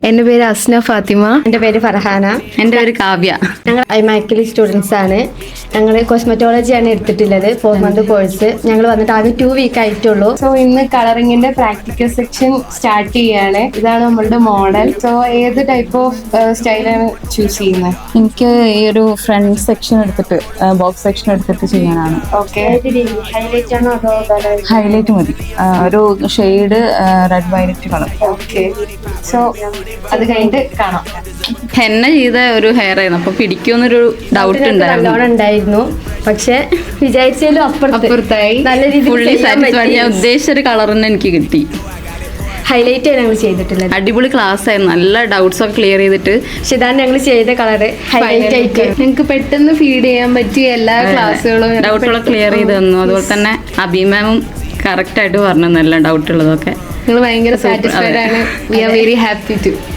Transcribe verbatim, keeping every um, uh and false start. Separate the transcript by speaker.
Speaker 1: എൻ്റെ പേര് അസ്ന ഫാത്തിമ.
Speaker 2: എൻ്റെ പേര് ഫർഹാന.
Speaker 3: എൻ്റെ പേര് കാവ്യ.
Speaker 2: ഞങ്ങൾ ഐമാക്കിലി സ്റ്റുഡൻസ് ആണ്. ഞങ്ങൾ കോസ്മെറ്റോളജിയാണ് എടുത്തിട്ടുള്ളത്, ഫോർ മന്ത് കോഴ്സ്. ഞങ്ങൾ വന്നിട്ട് ആകെ ടു വീക്ക് ആയിട്ടുള്ളൂ.
Speaker 1: സോ ഇന്ന് കളറിങ്ങിന്റെ പ്രാക്ടിക്കൽ സെക്ഷൻ സ്റ്റാർട്ട് ചെയ്യാണ്. ഇതാണ് നമ്മളുടെ മോഡൽ. സോ ഏത് ടൈപ്പ് ഓഫ് സ്റ്റൈലാണ് ചൂസ് ചെയ്യുന്നത്?
Speaker 3: എനിക്ക് ഈ ഒരു ഫ്രണ്ട് സെക്ഷൻ എടുത്തിട്ട് ബോക്സ് സെക്ഷൻ എടുത്തിട്ട് ചെയ്യാനാണ്.
Speaker 1: ഓക്കെ,
Speaker 2: ഹൈലൈറ്റ് ആണോ അതോ
Speaker 3: ഹൈലൈറ്റ് മതി, ആ, ഒരു shade red violet colour.
Speaker 1: Okay. So അത് കഴിഞ്ഞിട്ട് കാണാം.
Speaker 3: ഹെന്ന ചെയ്ത ഒരു ഹെയർ ആയിരുന്നു, അപ്പൊ പിടിക്കുമെന്നൊരു ഡൗട്ട് ഉണ്ടായിരുന്നു.
Speaker 2: നല്ലോണം ഉണ്ടായിരുന്നു, പക്ഷെ വിചാരിച്ചാലും
Speaker 1: അപ്പുറത്തായി.
Speaker 2: നല്ല
Speaker 3: ഫുള്ളി സാറ്റിസ്ഫൈഡ്. ഞാൻ
Speaker 2: രീതിയിൽ
Speaker 3: ഉദ്ദേശിച്ച ഒരു കളർ തന്നെ എനിക്ക് കിട്ടി.
Speaker 2: ഹൈലൈറ്റ് ആണ് ഞങ്ങൾ ചെയ്തിട്ടുള്ളത്.
Speaker 3: അടിപൊളി ക്ലാസ് ആയിരുന്നു, നല്ല ഡൗട്ട്സ് ഒക്കെ ക്ലിയർ ചെയ്തിട്ട്.
Speaker 2: പക്ഷെ ഇതാണ് ഞങ്ങൾ ചെയ്ത കളറ് ഹൈലൈറ്റ് ആയിട്ട്.
Speaker 1: നിങ്ങൾക്ക് പെട്ടെന്ന് ഫീഡ് ചെയ്യാൻ പറ്റിയ എല്ലാ ക്ലാസ്സുകളും
Speaker 3: ഡൗട്ടുകളൊക്കെ ക്ലിയർ ചെയ്ത് തന്നു. അതുപോലെ തന്നെ അഭിമാമും കറക്റ്റ് ആയിട്ട് പറഞ്ഞു നല്ല ഡൗട്ട് ഉള്ളതൊക്കെ.
Speaker 1: നിങ്ങൾ ഭയങ്കര സാറ്റിസ്ഫൈഡ് ആണ്. We are very happy to